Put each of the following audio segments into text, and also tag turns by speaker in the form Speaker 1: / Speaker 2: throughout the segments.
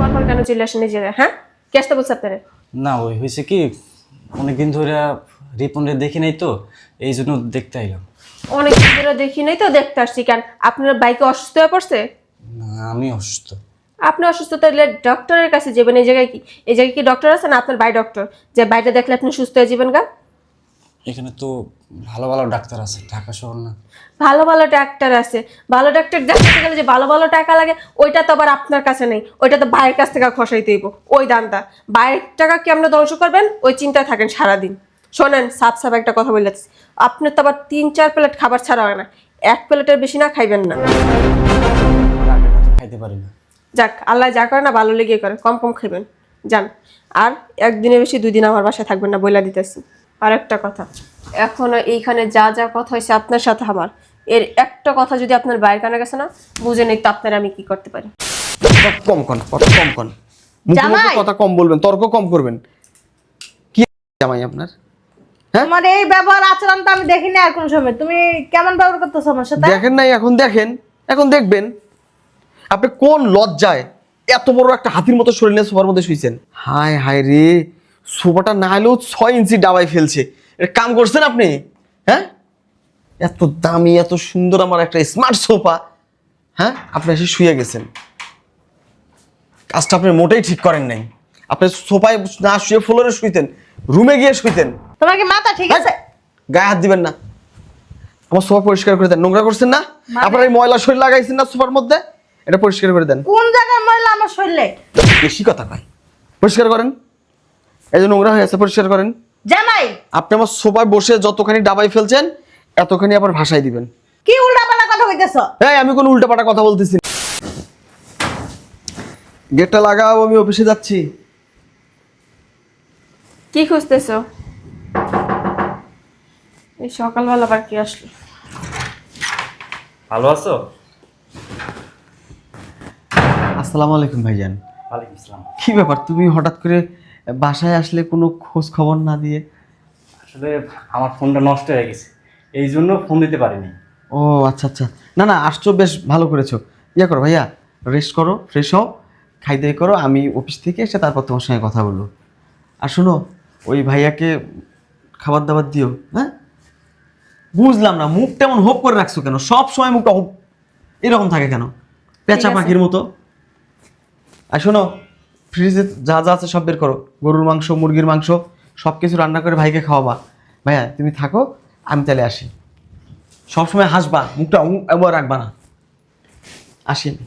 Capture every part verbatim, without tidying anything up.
Speaker 1: পর কেন চলে আসেন এই জায়গায়? হ্যাঁ, কে আসতে বলছে আপনারে?
Speaker 2: না ওই হয়েছে কি, অনেকদিন ধরে রিপনরে দেখি নাই তো, এই জন্য দেখতে আইলাম।
Speaker 1: অনেক দিন ধরে দেখি নাই তো দেখতে আসছি। কেন আপনার বাইকে অসুস্থ হয়ে পড়ছে?
Speaker 2: না আমি অসুস্থ।
Speaker 1: আপনি অসুস্থ তাহলে ডক্টরের কাছে যাবেন। এই জায়গায় কি এই জায়গায় কি ডক্টর আছে না আপনার বাই ডক্টর যে বাইরে দেখলে আপনি সুস্থ হয়ে যাবেন? গা
Speaker 2: এখানে তো ভালো ভালো ডাক্তার আছে, ঢাকা শহর না।
Speaker 1: ভালো ভালো ডাক্তার আছে, ভালো ডাক্তার দেখাতে গেলে যে ভালো ভালো টাকা লাগে ওইটা তো আবার আপনার কাছে নেই, ওইটা তো বাইরের কাছ থেকে খসাইতে হইব। ওই দামটা বাইরের টাকা কেমন ধ্বংস করবেন ওই চিন্তায় থাকেন সারাদিন। শোনেন, সাফ সাফ একটা কথা বলতেছি, আপনার তো আবার তিন চার প্লেট খাবার ছাড়া হয় না, এক প্লেটের বেশি না খাইবেন না।
Speaker 2: আর আগের মতো খাইতে পারি না।
Speaker 1: যাক, আল্লাহ যা করে না ভালো লেগে করে, কম কম খাইবেন যান। আর একদিনের বেশি দুই দিন আমার বাসায় থাকবেন না বইলা দিতেছি। আর একটা কথা, এখনো এইখানে যা যা কথা হয়েছে আপনার সাথে আমার, এর একটা কথা যদি আপনার বাইরে কানে গেছে না, বুঝে নেই তো আপনার আমি কি করতে পারি।
Speaker 3: কথা কম কন, কথা কম কন, মুখে মুখে
Speaker 4: জামাই!
Speaker 3: কথা কম বলবেন, তর্ক কম করবেন। কি জামাই আপনার? হ্যাঁ?
Speaker 4: তোমার এই ব্যবহার আচরণ তো আমি দেখিনি আর কোন সময়। তুমি কেমন ব্যবহার করতেছো আমার সাথে?
Speaker 3: দেখেন নাই, এখন দেখেন, এখন দেখবেন। আপনি কোন লজ্জায় এত বড় একটা হাতির মতো শরীর নিয়ে সোফার মধ্যে শুইছেন? হায় হায় রে, সোফাটা না হলেও ছয় ইঞ্চি ডাবাই ফেলছে। এটা কাম করছেন আপনি? হ্যাঁ, এত দামি এত সুন্দর আমার একটা স্মার্ট সোফা, হ্যাঁ আপনি এসে শুয়ে গেছেন। কাজটা আপনি মোটেই ঠিক করেন নাই। আপনি সোফায় না শুয়ে ফ্লোরে শুইতেন, রুমে গিয়ে শুইতেন।
Speaker 4: তোমার কি মাথা ঠিক আছে?
Speaker 3: গায়ে হাত দিবেন না। আমার সোফা পরিষ্কার করে দেন, নোংরা করছেন না?
Speaker 4: মানে?
Speaker 3: আপনার এই ময়লা শরীর লাগাইছেন না সোফার মধ্যে, এটা পরিষ্কার করে দেন।
Speaker 4: কোন জায়গায় ময়লা আমার শরীরে?
Speaker 3: বেশি কথা কয়, পরিষ্কার করেন। এই যে নোংরা হয়ে আছে, পরিষ্কার করেন।
Speaker 4: জামাই,
Speaker 3: আপনি আমার সোফায় বসে যতখানি ডাবাই ফেলছেন এতখানি আবার ভাষায় দিবেন।
Speaker 4: কি উল্টাপাল্টা কথা কইতেছো?
Speaker 3: এই আমি কোনো উল্টাপাল্টা কথা বলতেছি না। গেটটা লাগাও, আমি অফিসে যাচ্ছি।
Speaker 1: কি খুঁজতেছো? এই সকালবেলা আবার কি আসলো?
Speaker 2: ভালো আছো?
Speaker 3: আসসালামু আলাইকুম ভাইজান।
Speaker 2: ওয়ালাইকুম আসসালাম।
Speaker 3: কি ব্যাপার, তুমি হঠাৎ করে বাসায় আসলে কোনো খোঁজ খবর না দিয়ে?
Speaker 2: আসলে আমার ফোনটা নষ্ট হয়ে গেছে, এই জন্য ফোন দিতে পারিনি।
Speaker 3: ও আচ্ছা আচ্ছা, না না আসছো, বেশ ভালো করেছো। ইয়া করো ভাইয়া, রেস্ট করো, ফ্রেশ হও, খাই দাই করো, আমি অফিস থেকে এসে তারপর তোমার সঙ্গে কথা বলবো। আর শোনো, ওই ভাইয়াকে খাবার দাবার দিও। হ্যাঁ, বুঝলাম না মুখ তেমন হোপ করে রাখছো কেন? সব সময় মুখটা হোপ এরকম থাকে কেন, পেঁচা
Speaker 1: আছে।
Speaker 3: পাখির মতো? আর শোনো, ফ্রিজে যা যা আছে সব বের করো, গরুর মাংস মুরগির মাংস সব কিছু রান্না করে ভাইকে খাওয়াবা। ভাইয়া তুমি থাকো, আমি তাহলে আসি। সবসময় হাসবা, মুখটা উঁ এবার রাখবা না। আসি আমি।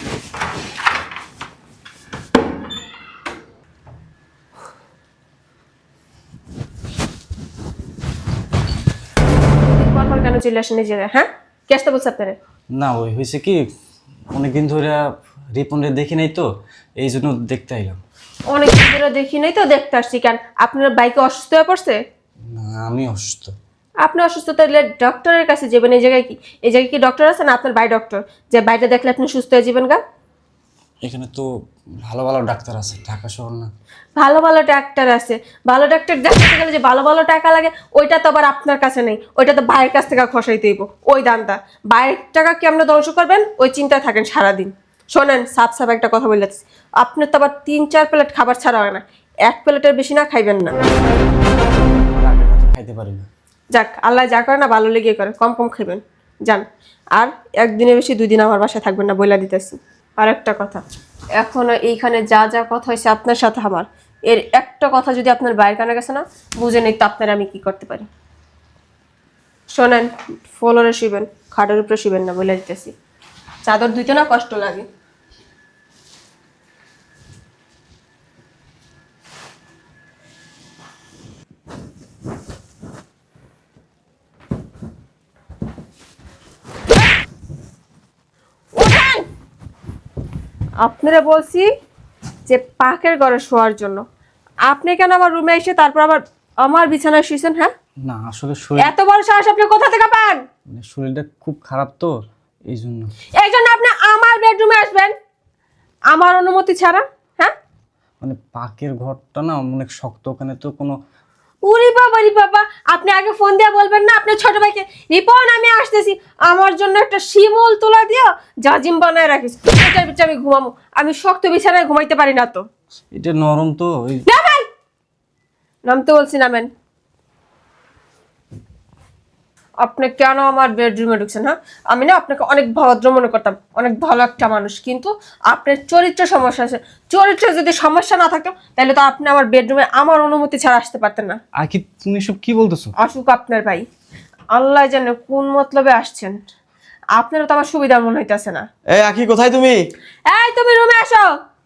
Speaker 1: পর পর কেন চলে আসেন এই জায়গায়? হ্যাঁ, কে আসতে বলছে আপনারে?
Speaker 2: না ওই হয়েছে কি, অনেকদিন ধরে রিপনরে দেখি নাই তো, এই জন্য দেখতে আইলাম।
Speaker 1: অনেক দিন ধরে দেখি নাই তো দেখতে আসছি। কেন আপনার বাইকে অসুস্থ হয়ে পড়ছে?
Speaker 2: না আমি অসুস্থ।
Speaker 1: আপনি অসুস্থ তাহলে ডক্টরের কাছে যাবেন। এই জায়গায় কি এই জায়গায় কি ডক্টর আছে না আপনার বাই ডক্টর যে বাইরে দেখলে আপনি সুস্থ হয়ে যাবেন? গা
Speaker 2: এখানে তো ভালো ভালো ডাক্তার আছে, ঢাকা শহর না।
Speaker 1: ভালো ভালো ডাক্তার আছে, ভালো ডাক্তার দেখাতে গেলে যে ভালো ভালো টাকা লাগে ওইটা তো আবার আপনার কাছে নেই, ওইটা তো বাইরের কাছ থেকে খসাইতে হইব। ওই দামটা বাইরের টাকা কেমন ধ্বংস করবেন ওই চিন্তায় থাকেন সারাদিন। শোনেন, সাফ সাফ একটা কথা বলতেছি, আপনার তো আবার তিন চার প্লেট খাবার ছাড়া হয় না, এক প্লেটের বেশি না খাইবেন না।
Speaker 2: আর আগের মতো খাইতে পারি না।
Speaker 1: যাক, আল্লাহ যা করে না ভালো লেগে করে, কম কম খাইবেন যান। আর একদিনের বেশি দুই দিন আমার বাসায় থাকবেন না বইলা দিতেছি। আর একটা কথা, এখনো এইখানে যা যা কথা হয়েছে আপনার সাথে আমার, এর একটা কথা যদি আপনার বাইরে কানে গেছে না, বুঝে নেই তো আপনার আমি কি করতে পারি। শোনেন, ফ্লোরে শুবেন, খাটের উপরে শুবেন না বলে দিতেছি। চাদর ধুইতে না কষ্ট লাগে। ওঠেন! আপনারা বলছি যে পাকের ঘরে শোয়ার জন্য, আপনি কেন আমার রুমে এসে তারপর আবার আমার বিছানায় শুয়েছেন? হ্যাঁ,
Speaker 2: না আসলে শরীর,
Speaker 1: এত বড় সাহস আপনি কোথা থেকে পান?
Speaker 2: মানে শরীরটা খুব খারাপ তো, এই জন্য।
Speaker 1: এই জন্য আপনি আমার বেডরুমে আসবেন আমার অনুমতি ছাড়া? হ্যাঁ,
Speaker 2: মানে পাকের ঘরটা না অনেক শক্ত, ওখানে তো কোনো
Speaker 1: উরি বাবা রি বাবা, আপনি আগে ফোন দিয়ে বলবেন না আপনার ছোট ভাইকে, রিপন আমি আসতেছি, আমার জন্য একটা শিমুল তুলা দিও, জাজিম বানায় রাখিস, এটার ভিতরে আমি ঘুমাবো। আমি শক্ত বিছানায় ঘুমাইতে পারি না তো।
Speaker 2: এটা নরম তো ওই
Speaker 1: নামেন, নামতে বলছি নামেন। আপনি কেন আমার বেডরুমে ঢুকছেন? হ্যাঁ, আমি না আপনাকে অনেক ভদ্র মনে করতাম, অনেক ভালো একটা মানুষ, কিন্তু আপনার চরিত্র সমস্যা আছে। চরিত্রে যদি সমস্যা না থাকতো তাহলে তো আপনি আমার বেডরুমে আমার অনুমতি ছাড়া আসতে পারতেন না।
Speaker 2: আকি তুমি সব কি বলতেছো?
Speaker 1: আসুক আপনার ভাই, আল্লাহ জানে কোন মতলবে আসছেন। আপনারও তো আমার সুবিধা মনে হইতেছে না।
Speaker 3: এই আখি, কোথায় তুমি?
Speaker 1: এই তুমি রুমে আসো।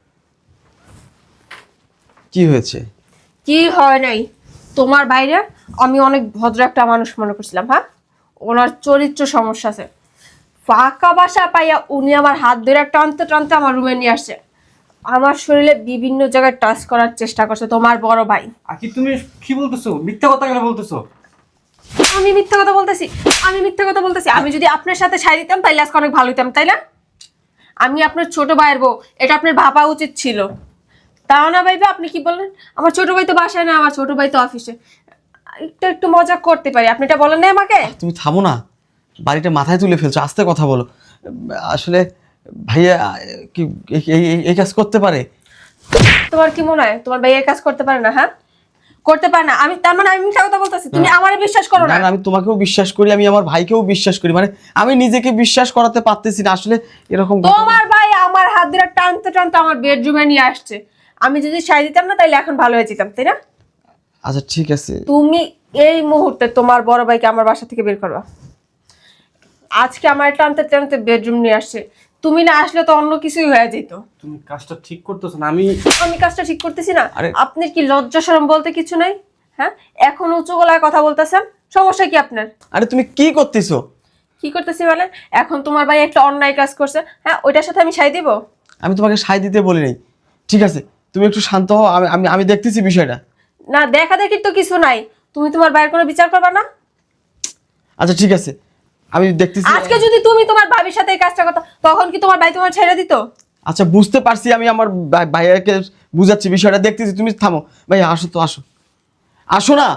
Speaker 3: কি হয়েছে?
Speaker 1: কি হয় নাই, তোমার বাইরে আমি অনেক ভদ্র একটা মানুষ মনে করছিলাম। হ্যাঁ, ওনার চরিত্র সমস্যা আছে। ফাঁকা বাসা পাইয়া উনি আমার হাত ধরে টানতে টানতে আমার রুমে নিয়ে আসছে, আমার শরীরে বিভিন্ন জায়গায় টাচ করার চেষ্টা করছে তোমার বড় ভাই।
Speaker 2: আকি তুমি কি বলতেছো? মিথ্যা কথা কেন বলতেছো?
Speaker 1: আমি মিথ্যা কথা বলতেছি? আমি মিথ্যা কথা বলতেছি? আমি যদি আপনার সাথে সাই দিতাম তাইলে আজকে অনেক ভালো হইতাম, তাই না? আমি আপনার ছোট ভাইয়ের বউ, এটা আপনার ভাবা উচিত ছিল। তাও না ভাইবা, আপনি কি বললেন? আমার ছোট ভাই তো বাসায় না, আমার ছোট ভাই তো অফিসে। একটু একটু মজা করতে পারি, আপনি এটা বলেন না আমাকে?
Speaker 3: তুমি থামো না, বাড়িটা মাথায় তুলে ফেলছো, আস্তে কথা বলো। আসলে ভাইয়া কি এই- এই- এই কাজ করতে পারে?
Speaker 1: তোমার কি মনে হয় তোমার ভাই এই কাজ করতে পারে না? হ্যাঁ, করতে পারে না। আমি তার মানে আমি মিথ্যা কথা বলতেছি, তুমি আমারে বিশ্বাস করো
Speaker 3: না
Speaker 1: না?
Speaker 3: না, আমি তোমাকেও বিশ্বাস করি, আমি আমার ভাইকেও বিশ্বাস করি, মানে আমি নিজেকে বিশ্বাস করাতে পারতেছি না আসলে এরকম ঘটনা-
Speaker 1: তোমার ভাই আমার হাত ধরে টানতে টানতে আমার বেডরুমে নিয়ে আসছে, আমি যদি সাই দিতাম না তাইলে এখন ভালো হয়ে যেতাম, তাই না?
Speaker 3: আচ্ছা ঠিক আছে,
Speaker 1: তুমি এই মুহূর্তে তোমার বড় ভাইকে আমার বাসা থেকে বের করবা। আজকে আমার টানতে টানতে বেডরুম নিয়ে আসছে, তুমি না আসলে তো অন্য কিছুই হয়ে যেত।
Speaker 2: তুমি কাজটা ঠিক করতেছো না। আমি
Speaker 1: আমি কাজটা ঠিক করতেছি না?
Speaker 3: আরে-
Speaker 1: আপনার কি লজ্জা শরম বলতে কিছু নাই? হ্যাঁ, এখন উঁচু গলায় কথা বলতেছেন, সমস্যা কি আপনার?
Speaker 3: আরে তুমি কি করতেছো?
Speaker 1: কি করতেছি মানে? এখন তোমার ভাই একটা অন্যায় কাজ করছে, হ্যাঁ, ওইটার সাথে আমি সাই দিব?
Speaker 3: আমি তোমাকে সায় দিতে বলি নাই, ঠিক আছে? তুমি একটু শান্ত হও, আমি আমি আমি দেখতেছি বিষয়টা।
Speaker 1: না, দেখা দেখি তো কিছু নাই, তুমি তোমার ভাইয়ের কোনো বিচার করবা না?
Speaker 3: আচ্ছা ঠিক আছে, আমি দেখতেছি।
Speaker 1: আজকে যদি তুমি তোমার ভাবির সাথে এই কাজটা করতো তখন কি তোমার ভাই তোমার ছেড়ে দিত?
Speaker 3: আচ্ছা বুঝতে পারছি, আমি আমার ভাই- ভাইয়াকে বুঝাচ্ছি বিষয়টা, দেখতেছি। তুমি থামো ভাই, আসো তো, আসো আসো না,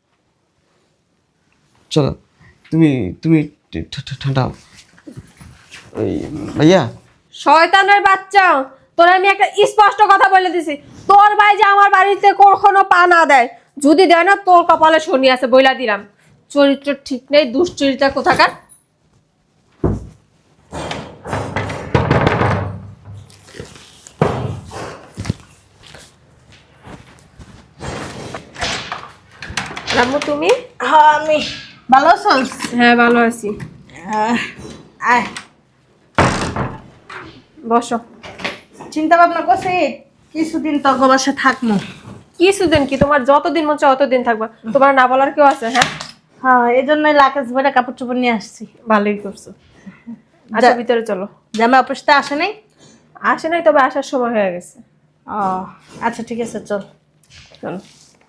Speaker 3: চলো তুমি তুমি ঠা- ঠা- ঠান্ডা হও। ওই ভাইয়া,
Speaker 1: শয়তানের বাচ্চা, তোর আমি একটা স্পষ্ট কথা বলে দিছি, তোর ভাই যে আমার বাড়িতে কখনো পা না দেয়, যদি দেয় না তোর কপালে শনি আছে বইলা দিলাম। চরিত্র ঠিক নেই, দুশ্চরিত্রা কোথাকার। রামু তুমি?
Speaker 4: হ্যাঁ, আমি ভালো আছোস?
Speaker 1: হ্যাঁ ভালো আছি,
Speaker 4: আহ, আয়,
Speaker 1: বসো।
Speaker 4: চিন্তা ভাবনা করছি কিছুদিন তো বাসা থাকবো।
Speaker 1: কিছুদিন কি, তোমার যতদিন মন চায় অতদিন থাকবা, তোমার না বলার কেউ আছে? হ্যাঁ,
Speaker 4: হ্যাঁ, এই জন্যই লাকেজ ভরে কাপড় চোপড় নিয়ে আসছি।
Speaker 1: ভালোই করছো। আচ্ছা
Speaker 4: যা-
Speaker 1: ভিতরে চলো।
Speaker 4: জামা অফিসটা আসে নাই?
Speaker 1: আসে নাই, তবে আসার সময় হয়ে গেছে।
Speaker 4: ও আচ্ছা ঠিক আছে, চল।
Speaker 1: চলো।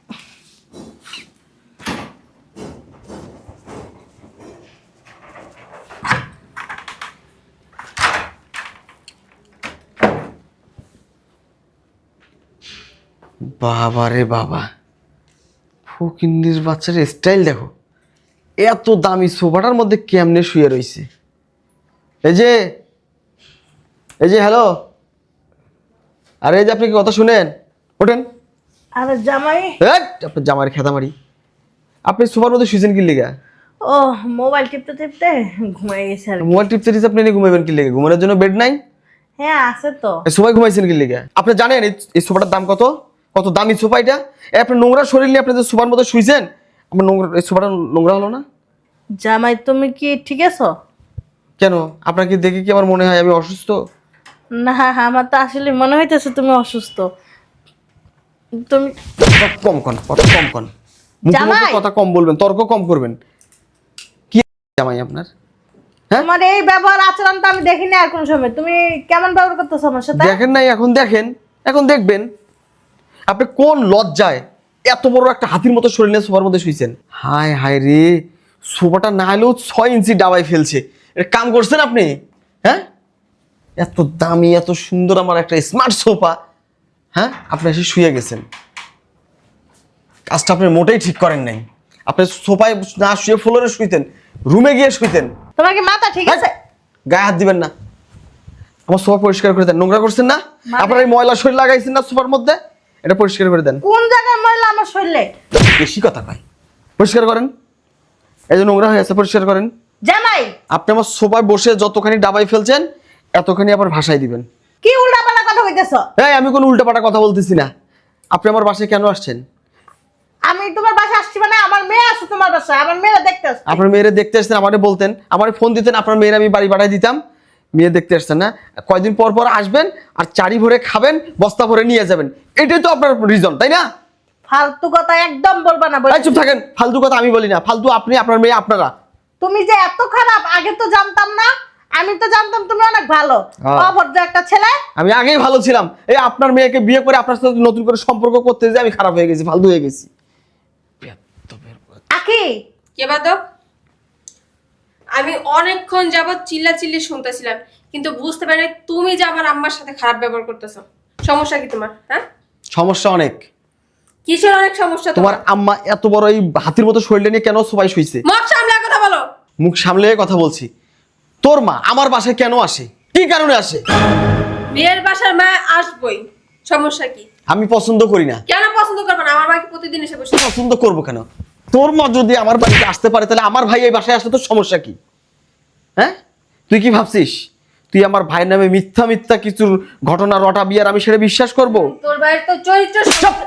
Speaker 3: বাবা রে বাবা, ফকিন্নির বাচ্চার স্টাইল দেখো, এত দামি সোফাটার মধ্যে কেমনে শুয়ে রইছে। এই যে এই যে হ্যালো, আরে এই যে আপনি কি কথা শুনেন, ওঠেন।
Speaker 4: আরে জামাই,
Speaker 3: এই, আপনার জামার খেতা মারি, আপনি সোফার মধ্যে শুয়েছেন কি লেগা?
Speaker 4: ও মোবাইল টিপতে টিপতে ঘুমাই গেছে আর কি।
Speaker 3: মোবাইল টিপতে টিপতে আপনি এনে ঘুমাবেন কি লেগে? ঘুমানোর জন্য বেড নাই?
Speaker 4: হ্যাঁ আছে তো।
Speaker 3: এই সোফায় ঘুমাইছেন কি লেগে? আপনি জানেন এই- এই সোফাটার দাম কত? কত দামি সোফা এটা? এই আপনার নোংরা শরীর নিয়ে আপনি যে সোফার মধ্যে শুয়েছেন, আপনার নোংরা, এই সোফাটা নোংরা হলো না?
Speaker 4: জামাই তুমি কি ঠিক আছো?
Speaker 3: কেন, আপনাকে দেখে কি আমার মনে হয় আমি অসুস্থ?
Speaker 4: না, আমার তো আসলে মনে হইতেছে তুমি অসুস্থ। তুমি
Speaker 3: কথা কম কন, কথা কম কন, মুখে মুখে
Speaker 4: জামাই!
Speaker 3: কথা কম বলবেন, তর্ক কম করবেন। কি জামাই আপনার? হ্যাঁ?
Speaker 4: তোমার এই ব্যবহার আচরণ তো আমি দেখিনি আর কোন সময়। তুমি কেমন ব্যবহার করতেছো আমার সাথে?
Speaker 3: দেখেন নাই, এখন দেখেন, এখন দেখবেন। আপনি কোন লজ্জায় এত বড় একটা হাতির মতো শরীর নিয়ে সোফার মধ্যে শুয়েছেন? হায় হায় রে, সোফাটা না হলেও ছয় ইঞ্চি ডাবাই ফেলছে। এটা কাম করছেন আপনি? হ্যাঁ, এত দামি এত সুন্দর আমার একটা স্মার্ট সোফা, হ্যাঁ, আপনি এসে শুয়ে গেছেন। কাজটা আপনি মোটেই ঠিক করেন নাই। আপনি সোফায় না শুয়ে ফ্লোরে শুইতেন, রুমে গিয়ে শুইতেন।
Speaker 4: তোমার কি মাথা ঠিক আছে?
Speaker 3: গায়ে হাত দিবেন না। আমার সোফা পরিষ্কার করে দেন। নোংরা করছেন না?
Speaker 4: মানে?
Speaker 3: আপনার এই ময়লা শরীর লাগাইছেন না সোফার মধ্যে, এটা পরিষ্কার করে দেন।
Speaker 4: কোন জায়গায় ময়লা আমার শরীরে?
Speaker 3: বেশি কথা কয়, পরিষ্কার করেন। এই যে নোংরা হয়ে আছে, পরিষ্কার করেন।
Speaker 4: জামাই
Speaker 3: আপনি আমার সোফায় বসে যতখানি ডাবাই ফেলছেন এতখানি আবার ভাষায় দিবেন।
Speaker 4: কি উল্টাপাল্টা কথা কইতেছো?
Speaker 3: এই আমি কোনো উল্টাপাল্টা কথা বলতেছি না। আপনি আমার বাসায় কেন আসছেন?
Speaker 4: আমি তোমার বাসায় আসছি মানে আমার মেয়ে আছে তোমার বাসায়, আমার মেয়েরা দেখতে আসছে।
Speaker 3: আপনার মেয়েরে দেখতে আসছেন, আমারে বলতেন, আমারে ফোন দিতেন, আপনার মেয়ের আমি বাড়ি পাঠাই দিতাম। মেয়ে দেখতে আসছেন না, কয়দিন পর পর আসবেন আর চারি ভরে খাবেন, বস্তা ভরে নিয়ে যাবেন, এটাই তো আপনার রিজন, তাই না?
Speaker 4: ফালতু কথা একদম বলবা না।
Speaker 3: এই চুপ থাকেন, ফালতু কথা আমি বলি না। ফালতু আপনি, আপনার মেয়ে, আপনারা।
Speaker 4: তুমি যে এত খারাপ আগে তো জানতাম না। আমি তো জানতাম তুমি অনেক ভালো,
Speaker 3: হ্যাঁ।
Speaker 4: অভদ্র একটা ছেলে।
Speaker 3: আমি আগেই ভালো ছিলাম, এই আপনার মেয়েকে বিয়ে করে আপনার সাথে নতুন করে সম্পর্ক করতে যে আমি খারাপ হয়ে গেছি, ফালতু হয়ে গেছি।
Speaker 4: আকি
Speaker 1: কে বাদক? আমি অনেকক্ষণ যাবৎ চিল্লা চিল্লি শুনতেছিলাম, কিন্তু বুঝতে পারি নাই তুমি যে আমার আম্মার সাথে খারাপ ব্যবহার করতেছো। সমস্যা কি তোমার? হ্যাঁ,
Speaker 3: সমস্যা অনেক।
Speaker 1: কিসের অনেক সমস্যা
Speaker 3: তোমার আম্মা এত বড় এই হাতির মতো শরীরটা নিয়ে কেন সবাই শুইছে?
Speaker 1: মুখ সামলে কথা বলো।
Speaker 3: মুখ সামলে কথা বলছি। তোর মা আমার বাসায় কেন আসে, কি কারণে আসে?
Speaker 1: মেয়ের বাসার মা আসবই, সমস্যা কি?
Speaker 3: আমি পছন্দ করি না।
Speaker 1: কেন পছন্দ করবে না? আমার বাকি প্রতিদিন এসে বসে।
Speaker 3: পছন্দ করবো কেন? তোর মা যদি আমার বাড়িতে আসতে পারে তাহলে আমার ভাই এই বাসায় আসলে তোর সমস্যা কি? হ্যাঁ, তুই কি ভাবছিস তুই আমার ভাইয়ের নামে মিথ্যা মিথ্যা কিছু ঘটনা রটাবি আর আমি সেটা বিশ্বাস করব?
Speaker 1: তোর ভাইয়ের তো চরিত্র।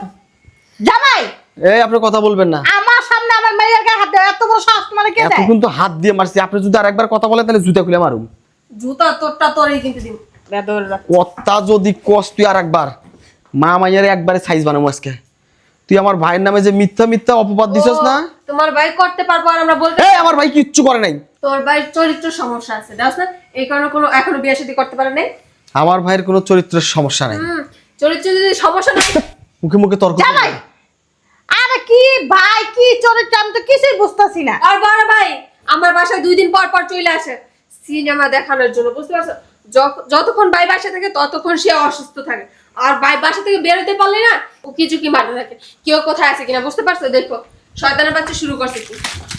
Speaker 4: জামাই
Speaker 3: এই আপনি কথা বলবেন না।
Speaker 4: আমার সামনে আমার মেয়ের গায়ে হাত দেয়, এত বড় সাহস মানে কে দেয়?
Speaker 3: এতক্ষণ তো হাত দিয়ে মারছি, আপনি যদি আরেকবার কথা বলেন তাহলে জুতা খুলে মারুম।
Speaker 1: জুতা তোরটা তোরই কিন্তু দিন। বেদর রাখ।
Speaker 3: কথা যদি কস তুই আরেকবার, মা মাইয়ারে একবারে সাইজ বানাবো আজকে। তুই আমার ভাইয়ের নামে যে মিথ্যা মিথ্যা অপবাদ দিছস না,
Speaker 1: তোমার ভাই করতে পারবো আর আমরা বলতে।
Speaker 3: এই আমার ভাই কিচ্ছু করে নাই।
Speaker 1: তোর ভাইয়ের চরিত্র সমস্যা আছে, দেখছ না? এই কারণে কোনো এখনো বিয়ে শাদী করতে পারে নাই।
Speaker 3: আমার ভাইয়ের কোনো চরিত্রের সমস্যা নাই।
Speaker 1: হুম, চরিত্র যদি সমস্যা নাই।
Speaker 3: মুখে মুখে তর্ক করবেন
Speaker 4: জামাই
Speaker 3: না।
Speaker 4: আরে কি ভাই কি চরিত্র আমি তো কিছুই বুঝতাছি না।
Speaker 1: আর বড় ভাই আমার বাসায় দুই দিন পর পর চলে আসে সিনেমা দেখানোর জন্য, বুঝতে পারছো? যখ- যতক্ষণ ভাই বাসা থাকে ততক্ষণ সে অসুস্থ থাকে, আর ভাই বাসা থেকে বেরোতে পারলে না ও কিছু কি মারতে থাকে। কেউ কোথায় আছে কিনা বুঝতে পারছো? দেখো শয়তানের বাচ্চা শুরু করছে কি।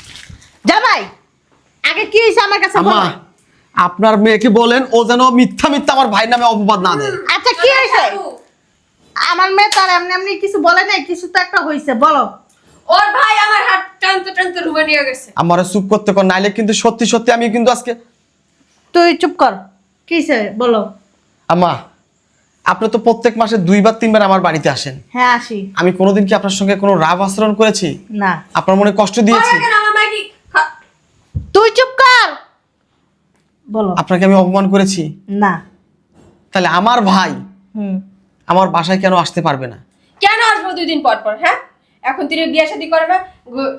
Speaker 4: জামাই আগে কি হয়েছে আমার কাছে
Speaker 3: আম্মা,
Speaker 4: বলো।
Speaker 3: আপনার মেয়েকে বলেন ও যেন মিথ্যা মিথ্যা আমার ভাইয়ের নামে অপবাদ না দেয়।
Speaker 4: আচ্ছা কি হয়েছে? আমার মেয়ে তো আর এমনি এমনি কিছু বলে নাই, কিছু তো একটা হয়েছে, বলো।
Speaker 1: ওর ভাই আমার হাত টানতে টানতে রুমে নিয়ে গেছে।
Speaker 3: আমারে চুপ করতে কর, নাইলে কিন্তু সত্যি সত্যি আমি কিন্তু আজকে।
Speaker 4: তুই চুপ কর, কি হয়েছে বলো।
Speaker 3: আম্মা, আপনি তো প্রত্যেক মাসে দুইবার তিনবার আমার বাড়িতে আসেন।
Speaker 4: হ্যাঁ আসি।
Speaker 3: আমি কোনোদিন কি আপনার সঙ্গে কোনো রাগ আচরণ করেছি?
Speaker 4: না।
Speaker 3: আপনার মনে কষ্ট দিয়েছি?
Speaker 1: ওরা কেন আমার ভাই কি খা-
Speaker 4: তুই চুপ কর, বলো।
Speaker 3: আপনাকে আমি অপমান করেছি?
Speaker 4: না।
Speaker 3: তাহলে আমার ভাই
Speaker 4: হুম।
Speaker 3: আমার বাসায় কেন আসতে পারবে না?
Speaker 1: কেন আসবো দুই দিন পর পর? হ্যাঁ, এখন তিনি বিয়ে শাদী করে না। গু-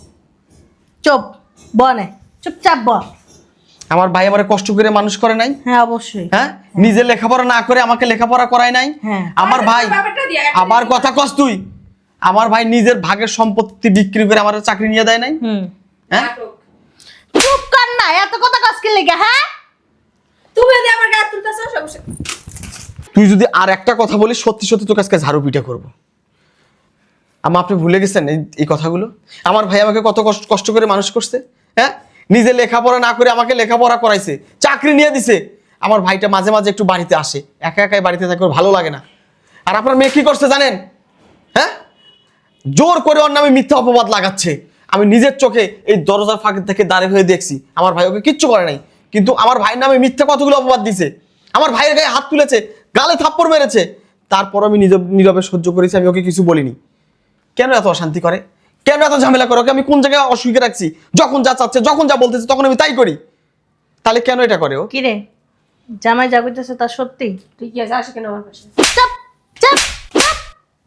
Speaker 4: চুপ বনে, চুপচাপ বল।
Speaker 3: আমার ভাই আমারে কষ্ট করে মানুষ করে নাই?
Speaker 4: হ্যাঁ অবশ্যই।
Speaker 3: হ্যাঁ, নিজে লেখাপড়া না করে আমাকে লেখাপড়া করায় নাই?
Speaker 4: হ্যাঁ।
Speaker 3: আমার ভাই
Speaker 1: ব্যাপারটা দিয়ে একটা
Speaker 3: আবার কথা কস তুই। আমার ভাই নিজের ভাগের সম্পত্তি বিক্রি করে আমার চাকরি নিয়ে দেয় নাই?
Speaker 4: হুম।
Speaker 3: হ্যাঁ,
Speaker 1: নাটক।
Speaker 4: চুপ কর না, এত কথা কাজকে লেগে। হ্যাঁ
Speaker 1: তুমি যদি আমার গায়ে তুলতেছো সমস্যা।
Speaker 3: তুই যদি আর একটা কথা বলিস সত্যি সত্যি তোর কাছে ঝাড়ু পিটা করবো। আমা, আপনি ভুলে গেছেন এই এই কথাগুলো? আমার ভাই আমাকে কত কষ্ট কষ্ট করে মানুষ করছে। হ্যাঁ, নিজে লেখাপড়া না করে আমাকে লেখাপড়া করাইছে, চাকরি নিয়ে দিছে। আমার ভাইটা মাঝে মাঝে একটু বাড়িতে আসে, একা একাই বাড়িতে থাকে, ওর ভালো লাগে না। আর আপনার মেয়ে কি করছে জানেন? হ্যাঁ, জোর করে ওর নামে মিথ্যা অপবাদ লাগাচ্ছে। আমি নিজের চোখে এই দরজার ফাঁক থেকে দাঁড়িয়ে হয়ে দেখছি। আমার ভাই ওকে কিচ্ছু করে নাই, কিন্তু আমার ভাইয়ের নামে মিথ্যা কতগুলো অপবাদ দিছে। আমার ভাইয়ের গায়ে হাত তুলেছে, গালে থাপ্পড় মেরেছে। তারপর আমি নিজে নীরবে সহ্য করেছি, আমি ওকে কিছু বলিনি। কেন এত অশান্তি করে, কেন এত ঝামেলা করে? ওকে আমি কোন জায়গায় অসুখে রাখছি? যখন যা চাচ্ছে, যখন যা বলতেছে তখন আমি তাই করি। তাহলে কেন এটা করে ও?
Speaker 4: কি রে, জামাই যা কইতেছে তা সত্যি?
Speaker 1: ঠিক আছে, আসে কেন আমার পাশে?
Speaker 4: চুপ চুপ চুপ।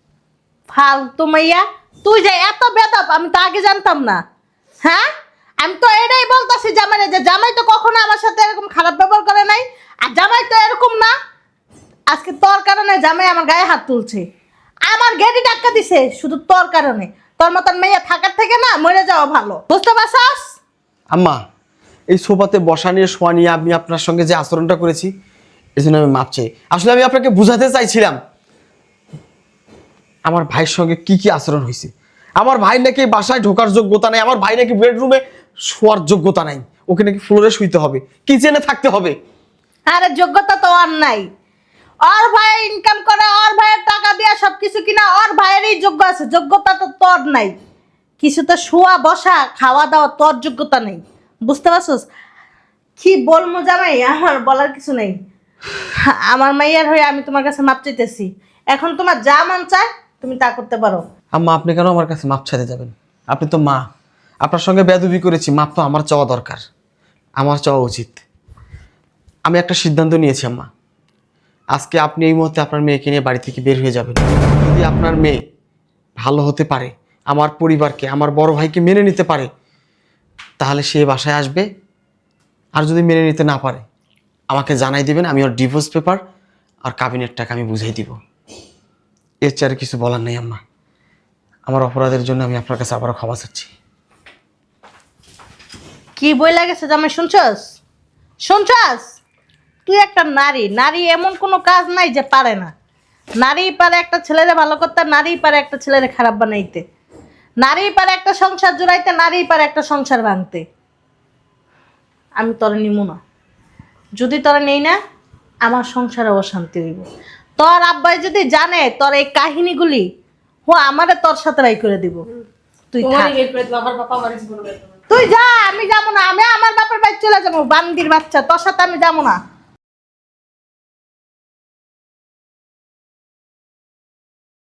Speaker 4: ফালতু মাইয়া, তুই যে এত বেদব আমি তো আগে জানতাম না। হ্যাঁ, আমি তো এটাই বলতাছি জামাই যে জামাই তো কখনো আমার সাথে এরকম খারাপ ব্যবহার করে নাই, আর জামাই তো এরকম না। আজকে তোর কারণে জামাই আমার গায়ে হাত তুলছে, আমার গেটি ডাক্কা দিছে শুধু তোর কারণে। তোর মতন মেয়ে থাকার থেকে না মরে যাওয়া ভালো, বুঝতে পারছস?
Speaker 3: আম্মা, এই সোফাতে বসা নিয়ে শোয়া নিয়ে আমি আপনার সঙ্গে যে আচরণটা করেছি এই জন্য আমি মাপ চাই। আসলে আমি আপনাকে বুঝাতে চাইছিলাম আমার ভাইয়ের সঙ্গে কি কি আচরণ হয়েছে। আমার ভাই নাকি বাসায় ঢোকার যোগ্যতা নাই, আমার ভাই নাকি বেডরুমে শোয়ার যোগ্যতা নাই, ওকে নাকি ফ্লোরে শুইতে হবে, কিচেনে থাকতে হবে।
Speaker 4: আরে যোগ্যতা তো আর নাই। ওর ভাই ইনকাম করে, ওর ভাইয়ের টাকা দিয়ে সবকিছু কিনা, ওর ভাইয়েরই যোগ্য আছে, যোগ্যতা তো তোর নাই। কিছু তো শোয়া বসা খাওয়া দাওয়া তোর যোগ্যতা নেই, বুঝতে পারছিস? কি বলবো জামাই, আমার বলার কিছু নেই। আমার মাইয়ার হয়ে আমি তোমার কাছে মাপ চাইতেছি, এখন তোমার যা মন চায় তুমি তা করতে পারো।
Speaker 3: আম্মা আপনি কেন আমার কাছে মাপ চাইতে যাবেন? আপনি তো মা, আপনার সঙ্গে বেয়াদবি করেছি, মাপ তো আমার চাওয়া দরকার, আমার চাওয়া উচিত। আমি একটা সিদ্ধান্ত নিয়েছি আম্মা, আজকে আপনি এই মুহূর্তে আপনার মেয়েকে নিয়ে বাড়ি থেকে বের হয়ে যাবেন। যদি আপনার মেয়ে ভালো হতে পারে, আমার পরিবারকে, আমার বড় ভাইকে মেনে নিতে পারে, তাহলে সে বাসায় আসবে। আর যদি মেনে নিতে না পারে আমাকে জানাই দিবেন, আমি ওর ডিভোর্স পেপার আর কাবিনের টাকা আমি বুঝাই দিব। এর চেয়ে আর কিছু বলার নেই আম্মা। আমার অপরাধের জন্য আমি আপনার কাছে আবারও ক্ষমা চাচ্ছি।
Speaker 4: কি বই লাগেছে জামাই, শুনছস? শুনছস? তুই একটা নারী, নারী এমন কোনো কাজ নাই যে পারে না। নারী পারে একটা ছেলেরে ভালো করতে, নারী পারে একটা ছেলেরে খারাপ বানাইতে, নারী পারে একটা সংসার জুড়াইতে, নারী পারে একটা সংসার ভাঙতে। আমি তোরে নিমু না, যদি তোরা নেই না আমার সংসারে অশান্তি হইব। তোর আব্বাই যদি জানে তোর এই কাহিনীগুলি, ও আমারে তোর সাথে বাই করে দিব। তুই থাক,
Speaker 1: তোমারই বের করে দেবো, আমার বাবা আমার জীবন বের করবে।
Speaker 4: তুই যা, আমি যাবো না, আমি আমার বাপের বাড়ি চলে যাবো। বান্দির বাচ্চা, তোর সাথে আমি যাবো না।